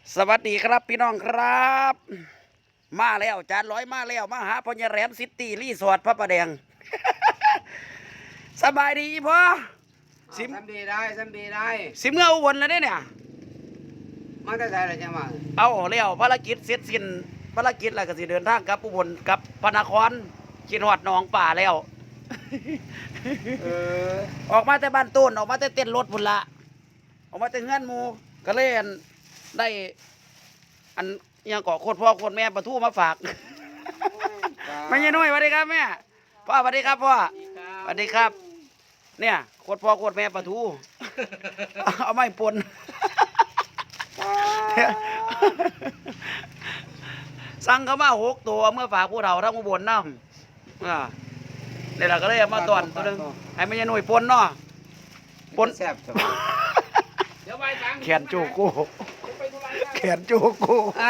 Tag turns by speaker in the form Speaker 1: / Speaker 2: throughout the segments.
Speaker 1: สวัสดีครับพี่น้องครับ มาแล้วจานร้อยมาแล้วมาหาพญาแรมซิตี้รีสอร์ทพระประแดง สบายดีพ่อสิม
Speaker 2: ทำดีได้ทำดีได้
Speaker 1: สิเมื่ออุบลแล้วเนี่ย
Speaker 2: มันจะใช่อะไรจะมา
Speaker 1: เอาแล้วภารกิจเสร็จสิ้นภารกิจแล้วก็สิเดินทางกลับอุบลกับพระนครกินหอดหนองป่าแล้ว
Speaker 2: เออ
Speaker 1: ออกมาแต่บ้านต้นออกมาแต่เต้นรถพุ่นละออกมาแต่เงื่อนหมูก็เลยอั่นได้อันอิหยังเกาะโคตรพ่อโคตรแม่ปลาทูมาฝาก ไม่ใช่น้อยสวัสดีครับแม่พ่อสวัสดีครับพ่อสวัสดีครับ เนี่ยโคตรพ่อโคตรแม่ปลาทู เอาไม่ปน สั่งเขามา6 ตัวเมื่อฝากผู้เฒ่าทั้งอุบลน้ำเนี่ยเราก็เลยเอามาตอนตัวหนึงให้ไม่ใช่น้อยปนเนาะปน
Speaker 2: แซ่บจัง
Speaker 1: แขนโจโก้แขนโจโก้
Speaker 2: อ่า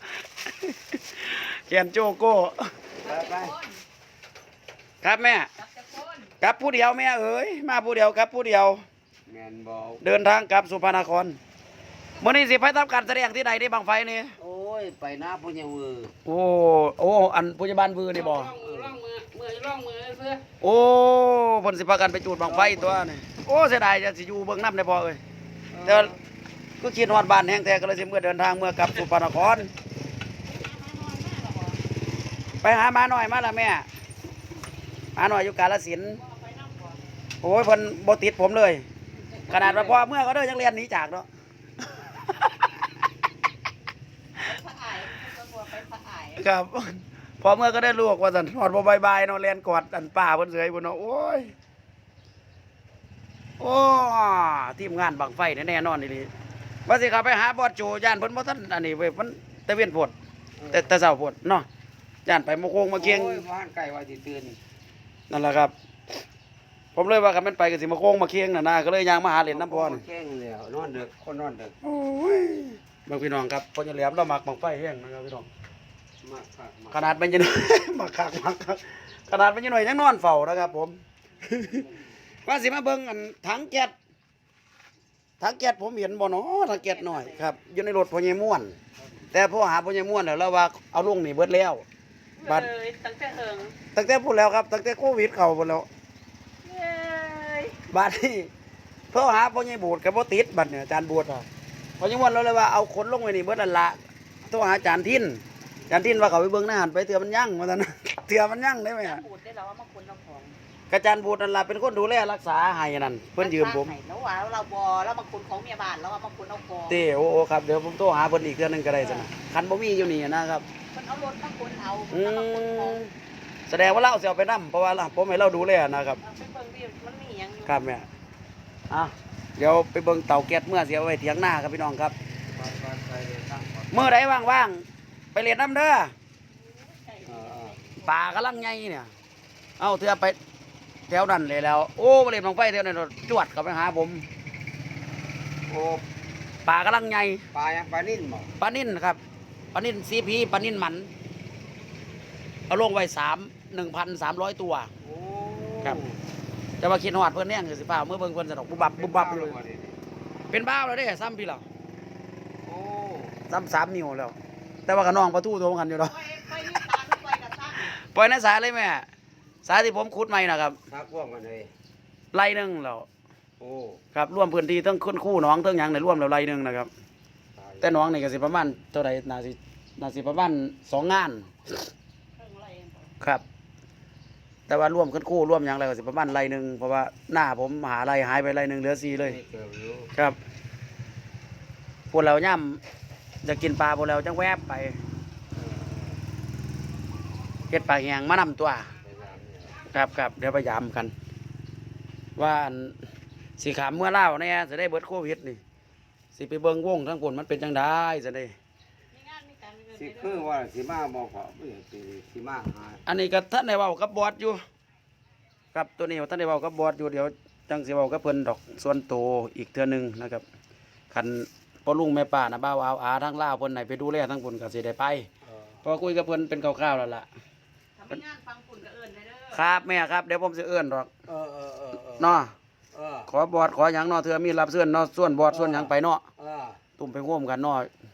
Speaker 1: แขนโจโก้
Speaker 2: ไป
Speaker 1: ครับแม่กลับผู้เดียวแม่เอ๋ยมาผู้เดียวครับผู้เดียว
Speaker 2: แมนบอล
Speaker 1: เดินทางกลับสุพรรณนครมื้อนี้สิไปทำการแสดงที่ใดได้บังไฟนี่
Speaker 2: โอ้ยไปหน้าปุญญวือ
Speaker 1: โอ้อันพยาบาลบือนี่บ่
Speaker 2: ร่องมือเสื้อ
Speaker 1: โอ้เพิ่นสิพากันไปจูดบังไฟตัวนี่โอ้เสียดายจะสิอยู่เบิ่งน้ำได้พอเอ้ยแต่ว่าก็คิดฮอดบ้านแห้งแท้ก็เลยสิเมื่อเดินทางเมื่อกลับสุพรรณนครไปหาหมาหน่อยมาละแม่หมาหน่อยอยู่กาฬสินธุ์โอ้ยเพิ่นบ่ติดผมเลย ขนาดว่าพ่อเมื่อก็เด้อยังเรียนหนีจากเนาะ ครับพอเมื่อก็ได้ลูกว่าสันทอดบ่บายๆเนาะเรียนกอดอันป้าเพิ่นเสยพุ่นเนาะโอ้ยโอ้ทีมงานบังไฟแน่นอนนี่ว่าสิเขับไปหาบอสโจย่านเพิ่นบ่ทันอันนี้เว้ยมันแต่เวียนโพดแต่เช้าโพดเนาะย่านไปมาโคงมาเคียง
Speaker 2: โอ้ยบ้านไก่ว่าสิตื่น
Speaker 1: นั่นแหละครับ ผมเลยว่าคันแม่นไปก็สิมาโคงมาเคียงน่ะนะก็เลยย่างมาหาเล่นน้ำพร
Speaker 2: แข้งแล้วนอนดึกคนนอนดึก
Speaker 1: โอ้ยบางพี่น้องครับพ่อใหญ่แหลมเรามักบังไฟแห้งนะครับพี่น้อง
Speaker 2: มากครับมาก
Speaker 1: ขนาดมันจะ มาคักมาคักขนาดมันจะหน่อยยังนอนเฝ้านะครับผม ว่าสิมาเบิ่งอันถังแก๊สผมเห็นบ่เนาะถังแก๊สหน่อยครับอยู่ในรถพ่อใหญ่ม่วน แต่พ่อหาพ่อใหญ่ม่วนแล้วว่าเอาลงนี่เบิดแล้วบัด
Speaker 3: เลยตั้งแต่เฮิง
Speaker 1: ตั้งแต่พูดแล้วครับตั้งแต่โควิดเข้าหมดแล้ว
Speaker 3: เย้ย
Speaker 1: บัดนี้พ่อหาพ่อใหญ่บูดก็บ่ติดบัดเนี่ยอาจารย์บูดว่าพ่อใหญ่ม่วนเราเลยว่าเอาขนลงไว้นี่เบิดนั่นละโทรหาอาจารย์ทินอาจารย์ทินว่าเขาไปเบิ่งหน้าหันไปเถื่อมันยั่งว่าซั่น เถื่อมันยั่งได้ไหม
Speaker 3: น้ำ
Speaker 1: อะ
Speaker 3: บูดได้แล้วว่ามาคุณเอาของ
Speaker 1: กระจารย์บูดนั่นล่ะเป็นคนดูแลรักษาให้นั่นเพิ่นยืมผม
Speaker 3: แล้วว่าเราบอแล้วมาคุณของเมียบ้านแล้วว่ามาคุณเอาของ
Speaker 1: เต้โอ้ครับเดี๋ยวผมโทรหาเพิ่นอีกเทื่อนึงก็ได้ซั่นน่ะคันบ่มีอยู่นี่นะครับ
Speaker 3: มันเอารถมาคุณเอา
Speaker 1: อื
Speaker 3: แล้วมาคุณของ
Speaker 1: มแสดงว่าเราสิเอาไปนํเพราะว่าผมให้เราดูแลนะครับ
Speaker 3: เอาไปเบิ่งดิมันมีหยังอยู่
Speaker 1: ครับแม่อ่ะเดี๋ยวไปเบิ่งเตาแก๊สเมื่อสิเอาไว้เถียงหน้าครับพี่น้องครับ
Speaker 2: บ้านไก่เลยตั้งก่อน
Speaker 1: เมื่อใดว่างๆไปเล่นน้ำเด้อ
Speaker 2: เออ
Speaker 1: ป่ากำลังใหญ่เนี่ยเอาเทื่อไปแถวนั้นเลยแล้ว โอ้ไปเล่นบังไฟแถวนั้นจวดเข้าไปหาผม
Speaker 2: โอ้
Speaker 1: ป่ากำลังใหญ่
Speaker 2: ปลายังปลานิ่นบ่
Speaker 1: ปลานิ่นครับปลานิ่นซีพีปลานิ่นหมันเอาลงไว้1,300 ตัว
Speaker 2: โอ้
Speaker 1: ครับ แต่ว่าคิดฮอดเพิ่นแน่งคือสิฟ้าเมื่อเบิ่งเพิ่นสะดอกบุบบับบุบบับเลยเป็นบ้าวแล้วเด้ซ้ำพี่เหรอ
Speaker 2: โอ้
Speaker 1: ซ้ำ3 นิ้วแล้ว แต่ว่ากับน้องประตูโทรกันอยู่ดอก
Speaker 3: ไปนี่ตาไปกระทะ
Speaker 1: ปล่อยในสายเลยแม่สายที่ผมขุดใหม่นะครับ
Speaker 2: ทักพ่วงกันเลย
Speaker 1: ไร่หนึงแล้ว
Speaker 2: โอ้
Speaker 1: ครับรวมพื้นที่ทั้งคู่หน้องทั้งหยังในรวมแล้วไร่หนึงนะครับ
Speaker 2: ตาย
Speaker 1: แต่หน้องนี่ก็สิประมาณเท่าใดน่าสิประมาณ2 งาน
Speaker 3: เครื่องอะไรเองบ่
Speaker 1: ครับ แต่ว่ารวมกันคู่รวมหยังแล้วก็สิประมาณไร่หนึงเพราะว่าหน้าผมหาไร่หายไปไร่หนึงเหลือ4เลย
Speaker 2: ไม่เกิดรู้
Speaker 1: ครับพวกเราย่ำจะกินปลาพวกเราจังแวบไป
Speaker 2: เออ
Speaker 1: เฮ็ดปลาแหงมานำตัว
Speaker 2: ไปตามเนี่ย
Speaker 1: ครับเดี๋ยวพยายามกัน ว่าอันสิขามเมื่อเล่าวเนี่ยจะได้เบิดโควิดนี่สิไปเบิ่งวงทั้งผลมันเป็นจังได้จะได้
Speaker 3: มีงานมีการมีเงิน
Speaker 2: สิ
Speaker 3: มี
Speaker 2: คือว่าสิมาบอกว่าไม่สิมาหา
Speaker 1: อันนี้ก็ท่านได้เว้ากับบอสอยู่ครับตัวนี้ท่านได้เว้ากับบอสอยู่เดี๋ยวจังสิเว้ากับเพิ่นดอกส่วนโตวอีกเทื่อหนึงนะครับคันพ่อลุงแม่ป้านะบ่าวอาทั้งลาวเพิ่นไหนไปดูแลทั้งผลก็สิได้ไป
Speaker 2: เออ
Speaker 1: เพอคุยกับเพิ่นเป็นคร่าวๆแล้วล่ะ
Speaker 3: ถ้ามีงานฟังคุณก็เอิ้นได้เด้อ
Speaker 1: ครับแม่ครับเดี๋ยวผมสิเอื้อนดอก
Speaker 2: เออเออเออเออ
Speaker 1: เนาะ
Speaker 2: เออ
Speaker 1: ขอบอสขอหยังเนาะเทื่อมีรับเสื้อนเนาะส่วนบอสส่วนหยังไปเนาะ
Speaker 2: เออ
Speaker 1: ตุ่มไปร่วมกันเนาะ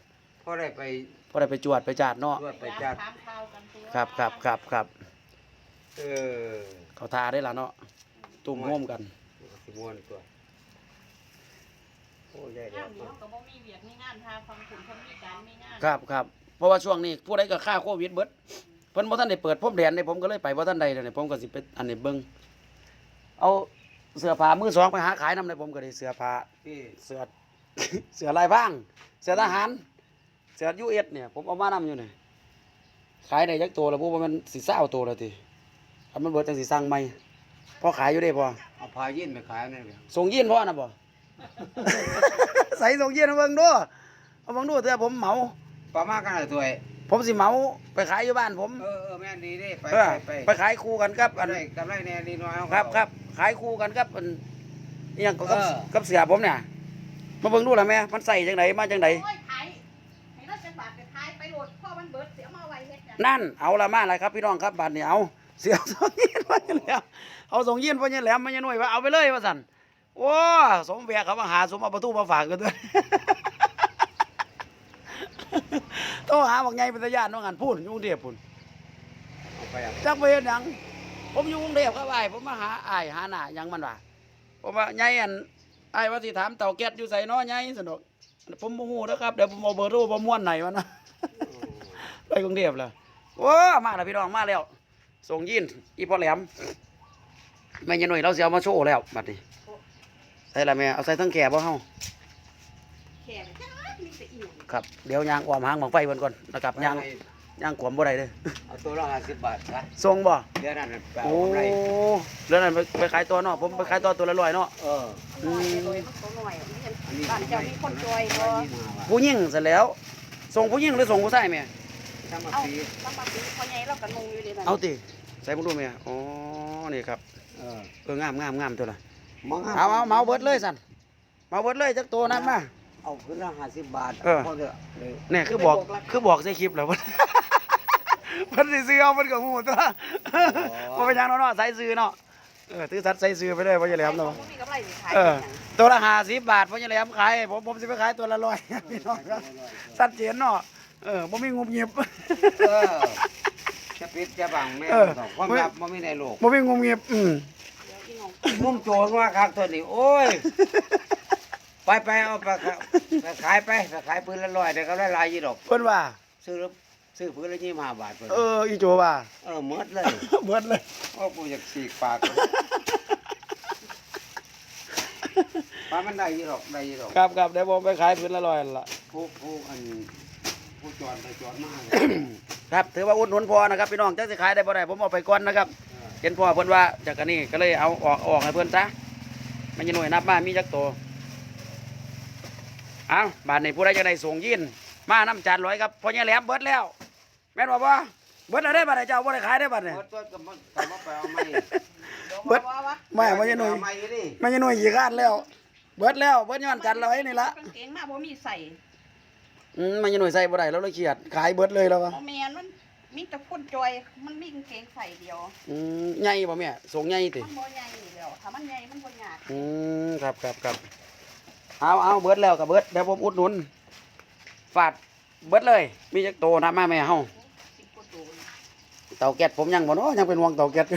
Speaker 2: พอได้ไป
Speaker 1: พอได้ไปจวดไปจาดเนาะ
Speaker 2: ตรวจไปจัด
Speaker 3: ถามข่าวกันตัว
Speaker 1: ครับ
Speaker 2: เออ
Speaker 1: เขาทาได้ล่ะเนาะตุ่มโฮมกัน
Speaker 2: สิม่วนตัวโอ้ยได้
Speaker 3: งา
Speaker 2: แล้
Speaker 3: น
Speaker 2: ว
Speaker 3: นี้เขาก็บ่มีเวียกมีงานทางฟังฝุ่นเขามีการมีงาน
Speaker 1: ครับเพราะว่าช่วงนี้ผู้ใดก็ฆ่าโควิดเบิดเพิ่นบ่ทันได้เปิดพรมแดนเลยผมก็เลยไปบ่ทันใดเดี๋ยวนี้ผมก็สิไปอันนี้เบิ่งเอาเสื้อผ้ามือสองไปหาขายนำเลยผมก็ได้เสื้อผ้า
Speaker 2: พี่
Speaker 1: เสื้อ เสื้อลายพรางเสื้อทหารเสื้อ US เนี่ยผมเอามานำอยู่นี่ขายได้จักตัวแล้วบ่ว่ามันสิ20ตัวแล้วติถ้ามันเบิดจังสิสั่งใหม่พอขายอยู่เด้พอ
Speaker 2: เอาพายินไปขายนั่นแหละ
Speaker 1: ส่งยีนพ่อน่ะบ่ ใส่ส่งยีนเอาเบิ่งดูเอาเบิ่งดูเถอะผมเหมา
Speaker 2: ประมาณกันตัว
Speaker 1: ผมสิเหมาไปขายอยู่บ้านผม
Speaker 2: แม่นดีเด้ไป
Speaker 1: เออไปขายคู่กันครับอัน
Speaker 2: ได้กำไรแน่ดีน้อย
Speaker 1: ครับขายคู่กันครับอันอหยังก็กับ
Speaker 2: เออ
Speaker 1: กับเสือผมเนี่ยมาเบิ่งดูล่ะแม่มันใส่จังไดมาจังได
Speaker 3: โอ้ยขายให้เราจะบาทไปขายไปโหลดพ่อมันเบิดเสียมาไว้เฮ็ดหยัง
Speaker 1: นั่นเอาละมาเลยครับพี่น้องครับบัดนี้เอาเสือส่งยีนพ่อยังแหลมเอาส่งยีนพ่อยังแหลมมันยังหน่วยว่าเอาไปเลยว่าสั่นโอ้สมแวกเขามาหาสมเอาประตูมาฝากกันด้วย โทรหาบอกไงเป็นตาญาติน้องงานพูดอยู่กรุงเทพพุ่น
Speaker 2: เอาไปอ่ะ
Speaker 1: จักไปเฮ็ดหยังผมอยู่กรุงเทพครับอ้ายผมมาหาอ้ายหาหน้าหยังมันว่าผมว่าไงอันอ้ายว่าสิถามเต่าแก๊สอยู่ไสเนาะไงสนุกผมบ่ฮู้นะครับเดี๋ยวผมเอาเบอร์โทรบ่ม่วนไหนวะนะ ไปกรุงเทพแล้วโอ้มาแล้วพี่น้องมาแล้วส่งยินอีพ่อแหลมแม่ยายหนุ่ยเราสิเอามาโชว์แล้วบัดนี้ใส่ละแม่เอาใส่ทั้งแก่บ่เฮา
Speaker 3: แขกจ้ามีแต่อิ่ว
Speaker 1: ครับเดี๋ยวยางอ้อมหางบังไฟเพิ่นก่อนนะครับยางขวมบ่ได้เด้อ
Speaker 2: เอาตัวละ50 บาทนะ
Speaker 1: ส่งบ่
Speaker 2: เดี๋ยวนั้นไปเอา
Speaker 1: โอ้
Speaker 2: กำไร
Speaker 1: เรื่องนั้นไปขายตัวเนาะผมไปขายตัวตัวละ100เนาะ
Speaker 2: เออ
Speaker 3: หน่อยเลยมันตัวหน่อยบ้านเจ้ามีคนจอยบ่
Speaker 1: ผู้หญิงเสร็จแล้ว ส่งผู้หญิงหรือส่งผู้ชายแม่
Speaker 2: ทั้งมา
Speaker 3: เอา
Speaker 2: ปี
Speaker 3: ลำบากปีพ่อใหญ่เราก็งงอยู่เลยนะ
Speaker 1: เอาติใส่บ่ดูแม่อ๋อนี่ครับ
Speaker 2: เออ
Speaker 1: งามตัวน่ะ
Speaker 2: มอง
Speaker 1: เอาเมาเบิดเลยสั่นเมาเบิดเลยจักตัวนั้นมา
Speaker 2: เอาขึ้นละ50 บาท
Speaker 1: เออ
Speaker 2: พอเถอะเลย
Speaker 1: เนี่ยคือบอกใส่คลิปแล้ว เพิ่นสิซื้อเอาเพิ่นก็ฮู้ตัวบ่เป็นหยังเนาะใส่ซื้อเนาะถือสัตว์ใส่ซื้อไปเลยบ่จะแหลมเนาะ
Speaker 3: มีกำไรสิขาย
Speaker 1: ตัวละ50บาทบ่จะแหลมขายให้ผมสิไปขายตัวละ100พี่น้องครับชัดเจนเนาะบ่มีงุบงิบ
Speaker 2: เออจะปิดจะบังแม่
Speaker 1: เออ
Speaker 2: ความลับบ่มีในโลก
Speaker 1: บ่มีงุบงิบ
Speaker 2: มุ่งโจรว่าคักตัวนี้โอ้ย ไปเอาไปขายไปขายปืนละ100เดี๋ยวก็ได้หลายอยู่ดอก
Speaker 1: เพิ่นว่า
Speaker 2: ซื้อปืนละ25 บาทเพิ่น
Speaker 1: อีโจว่า
Speaker 2: หมดเลย
Speaker 1: เบิดเลย
Speaker 2: โอ้กูอยากฉีกปากปลามันได้อยู่ดอกได้อยู่ดอก
Speaker 1: ครับเดี๋ยวผมไปขายพื้นละ100นั่นล่ะ
Speaker 2: ผู้อันผู้จอดไปจอดมาเลย
Speaker 1: ครับถือว่าอุดหนุนพอนะครับพี่น้องจักสิขายได้บ่ได้ผมเอาไปก่อนนะครับเห็นพ่อเพิ่นว่าจากอันนี้ก็เลยเอาออกให้เพิ่นซะมันจะหน่วยนับมามีจักตัวเอาบ้านนี้ผู้ใดจะได้ส่งยินมาน้ำจานร้อยครับพ่อใหญ่แหลมเบิดแล้ว แม่นบ่บ่เบิดแล้วได้บัดนี้เจ้าบ่ได้ขายได้บัดนี้
Speaker 2: หมดตัวก็มาไปเอาไม้
Speaker 1: เบิด
Speaker 3: วะ
Speaker 1: แม่พ่อใหญ่หน่วย
Speaker 2: เอาไม้ดิ
Speaker 1: มันจะหน่วยขี้คร้านแล้ว เบิดแล้วเบิดย้อนจานร้อยนี่ละ
Speaker 3: กางเกงมาบ่มีใส่
Speaker 1: มันจะหน่วยใส่บ่ได้แล้วเลยเครียดขายเบิดเลยแล้ววะ
Speaker 3: บ่แม่นมันมีแต่คนจอยมันมีกางเกงใส่เดียว
Speaker 1: ใหญ่บ่แม่ส่งใหญ่ติ
Speaker 3: มันบ่ใหญ่เดียวถ้ามันใหญ่มันบ่ยาก
Speaker 1: ครับเอาเบิดแล้วกับเบิดเดี๋ยวผมอุดหนุนฝาดเบิดเลย มีจักโตนะมาแม่เฮา
Speaker 3: 10กว่าตัว
Speaker 1: เตาแก๊สผมยังบ่เนาะยังเป็นห่วงเตาแก๊ส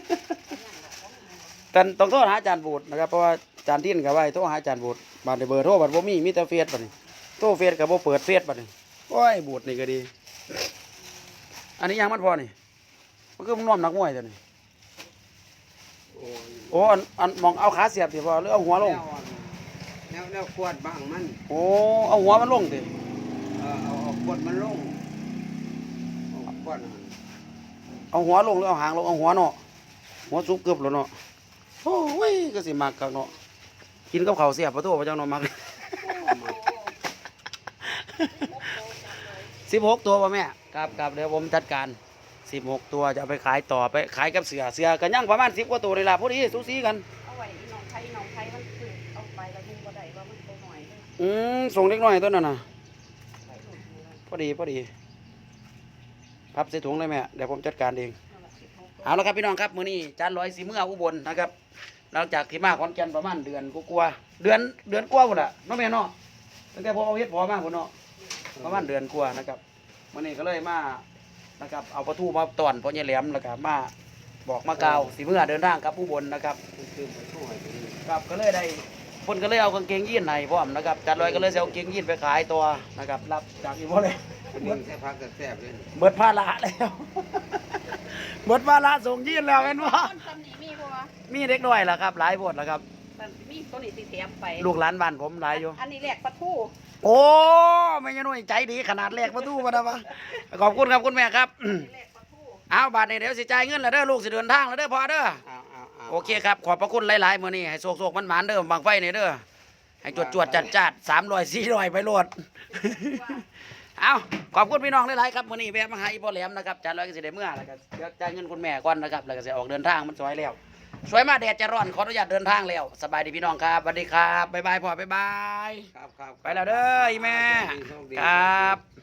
Speaker 1: แต่ต้องโทรหาอาจารย์บูดนะครับเพราะว่าอาจารย์ทิ้นก็ไว้โทรหาอาจารย์บูดบัดนี้เบอร์โทรบัดบ่มีแต่เฟซบัดนี้โทรเฟซก็บ่เปิดเฟซบัดนี้โอ้ยบูดนี่ก็ดี อันนี้ยังมันพอนี่มันคือมันน่วมนักมวยตัวนี้
Speaker 2: โอ้ย
Speaker 1: โอ้อันมองเอาขาเสียบสิพอหรือเอาหัวลง
Speaker 2: แนวขวดบ้างมัน
Speaker 1: โอ้เอาหัวมันลงสิ
Speaker 2: เอาขวดมันลงเอาขวดมัน
Speaker 1: เอาหัวลงหรือเอาหางลงเอาหัวเนาะหัวซุปเกือบแล้วเนาะโอ้ยก็สิมักกักเนาะกินกับข้าวเสียบปะโตพระเจ้าเนาะมัก 16 ตัวป่ะแม่ครับเดี๋ยวผมจัดการ16 ตัวจะเอาไปขายต่อไปขายกับเสือกันย่างประมาณ10 กว่าตัวเลยล่ะพอดีสูสีกัน
Speaker 3: เอาไว้น้องไทยมันคือเอาไปแล้วมึงบ่ได้ว่ามันตัวหน่อยเด้อ
Speaker 1: ส่งเล็กน้อยตัวนั้นน่ะ
Speaker 3: ไปหลุดอยู่แล้ว
Speaker 1: พอดีพับใส่ถุงเลยแม่เดี๋ยวผมจัดการเอง
Speaker 3: นั่นล่ะ16
Speaker 1: เอาละครับพี่น้องครับมื้อนี้จานร้อยสีเมื่ออุบลนะครับหลังจากที่มาขอนแก่นประมาณเดือนกว่าๆเดือนกว่าพุ่นน่ะเนาะแม่เนาะตั้งแต่พอเอาเฮ็ดพอมาพุ่นเนาะประมาณเดือนกว่านะครับวันนี้ก็เลยมานะครับเอาปลาทูมาตอนพ่อใหญ่แหลมแล้วก็มาบอกมากล่าวสิเมื่อเดินทางครับผู้บนนะครับ
Speaker 2: คือมันช่วยไปนี่
Speaker 1: ครับก็เลยได้คนก็เลยเอากางเกงยีนให้พร้อมนะครับจัดลอยก็เลยเอากางเกงยีนไปขายตัวนะครับรับจากอีโมเลย
Speaker 2: เป็นหนึ่งแค่พักแซ่บๆเลย
Speaker 1: เบิดภาระแล้ว เบิดภาระส่งยีนแล้วเห็นบ่
Speaker 3: ต้นตำหนิมีบ่วะ
Speaker 1: มีเด็กน้อยล่ะครับหลายโพดล่ะครับ
Speaker 3: มันมีตัวนี้สิแถมไป
Speaker 1: ลูกหลานบ้านผมหลายอยู่
Speaker 3: อันนี้แหลกปลาทู
Speaker 1: โอ้ไม่ใช่น้อยใจดีขนาดแรกประตูมาดาวะขอบคุณครับคุณแม่ครับ
Speaker 3: อันนี้แหลกปลาทู
Speaker 1: เอาบาทนี้เดี๋ยวสิจ่ายเงินแล้วเด้อลูกสิเดินทางแล้วเด้อพ่อเด้อ
Speaker 2: เอา
Speaker 1: โอเคครับขอบพระคุณหลายๆมื้อนี้ให้โศกๆมันหมานๆเด้อบางไฟนี่เด้อให้จวดๆจัดๆ300 400ไปโลด เอาขอบคุณพี่น้องหลายๆครับมื้อนี้แวะมาหาอีพ่อแหลมนะครับจัดร้อยก็สิได้เมื่อแล้วก็เดี๋ยวจ่ายเงินคุณแม่ก่อนนะครับแล้วก็สิออกเดินทางมันสวยแล้วสวยมากแดดจะร้อนขออนุญาตเดินทางแล้วสบายดีพี่น้องครับสวัสดีครับบ๊ายบายพ่อบ๊ายบาย
Speaker 2: ครับครับ
Speaker 1: ไปแล้วเด้ออีแม่
Speaker 2: โชคดี
Speaker 1: ครับ